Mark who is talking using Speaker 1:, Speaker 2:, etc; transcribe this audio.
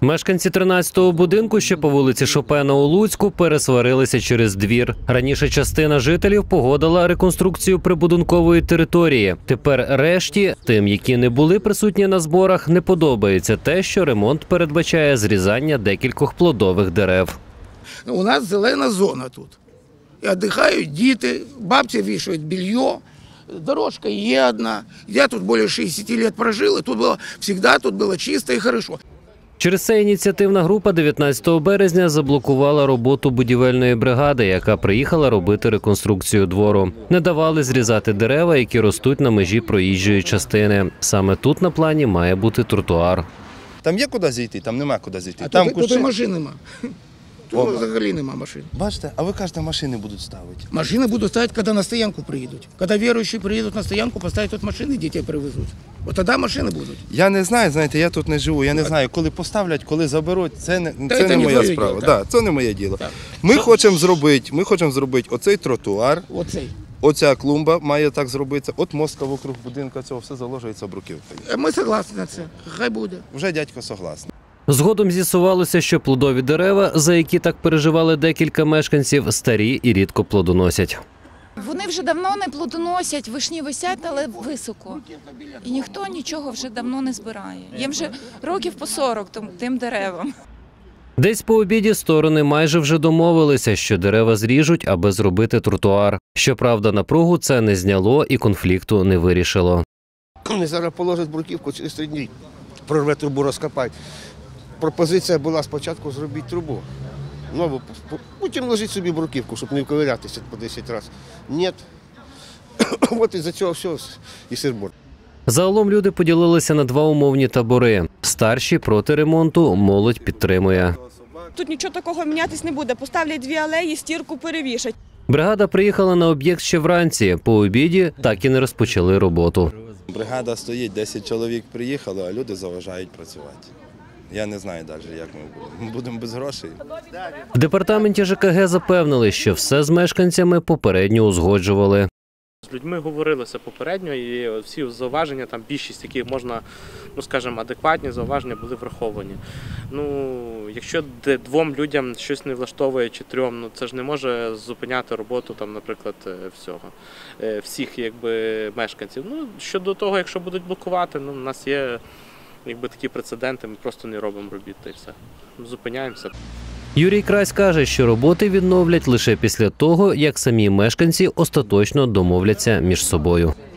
Speaker 1: Мешканці 13-го будинку, що по вулиці Шопена у Луцьку, пересварилися через двір. Раніше частина жителів погодила реконструкцію прибудинкової території. Тепер решті, тим, які не були присутні на зборах, не подобається те, що ремонт передбачає зрізання декількох плодових дерев.
Speaker 2: У нас зелена зона тут. І віддихають діти, бабці вішають белье. Дорожка є одна. Я тут більше 60 років прожив, і тут було чисто і хорошо.
Speaker 1: Через це ініціативна група 19 березня заблокувала роботу будівельної бригади, яка приїхала робити реконструкцію двору. Не давали зрізати дерева, які ростуть на межі проїжджої частини. Саме тут на плані має бути тротуар.
Speaker 3: Там є куди зійти, там нема куди зійти.
Speaker 2: А
Speaker 3: там
Speaker 2: тут і машин нема. Тут взагалі нема машин.
Speaker 3: Бачите, а ви кажете, машини будуть ставити.
Speaker 2: Машини будуть ставити, коли на стоянку приїдуть. Коли віруючі приїдуть на стоянку, поставлять тут машини, дітей привезуть. От тоді машини будуть.
Speaker 3: Я не знаю, знаєте, я тут не живу, я не знаю, коли поставлять, коли заберуть, це не моя справа. Да, це не моє діло. Ми хочемо зробити оцей тротуар, оця клумба має так зробитися, от мостка вокруг будинку цього все заложується бруківкою.
Speaker 2: Ми согласні на це, хай буде.
Speaker 3: Вже дядько согласний.
Speaker 1: Згодом з'ясувалося, що плодові дерева, за які так переживали декілька мешканців, старі і рідко плодоносять.
Speaker 4: Вони вже давно не плодоносять, вишні висять, але високо. І ніхто нічого вже давно не збирає. Їм вже років по 40 тим деревам.
Speaker 1: Десь по обіді сторони майже вже домовилися, що дерева зріжуть, аби зробити тротуар. Щоправда, напругу це не зняло і конфлікту не вирішило.
Speaker 5: Вони зараз положать бруківку, через 3 дні прорве трубу, розкопають. Пропозиція була спочатку зробити трубу. Нову, потім ложіть собі бруківку, щоб не вковирятися по 10 разів. Ні. От із-за цього все і сирбор.
Speaker 1: Загалом люди поділилися на два умовні табори. Старші проти ремонту, молодь підтримує.
Speaker 6: Тут нічого такого мінятись не буде. Поставлять 2 алеї, стірку перевішать.
Speaker 1: Бригада приїхала на об'єкт ще вранці. По обіді так і не розпочали роботу.
Speaker 3: Бригада стоїть, 10 чоловік приїхало, а люди заважають працювати. Я не знаю далі, як ми будемо. Ми будемо без грошей.
Speaker 1: В департаменті ЖКГ запевнили, що все з мешканцями попередньо узгоджували.
Speaker 7: З людьми говорилося попередньо, і всі зауваження, там більшість яких можна, скажімо, адекватні зауваження були враховані. Якщо 2 людям щось не влаштовує чи 3, це ж не може зупиняти роботу, там, наприклад, всіх мешканців. Щодо того, якщо будуть блокувати, у нас є такі прецеденти, ми просто не робимо робіт і все. Зупиняємося.
Speaker 1: Юрій Крась каже, що роботи відновлять лише після того, як самі мешканці остаточно домовляться між собою.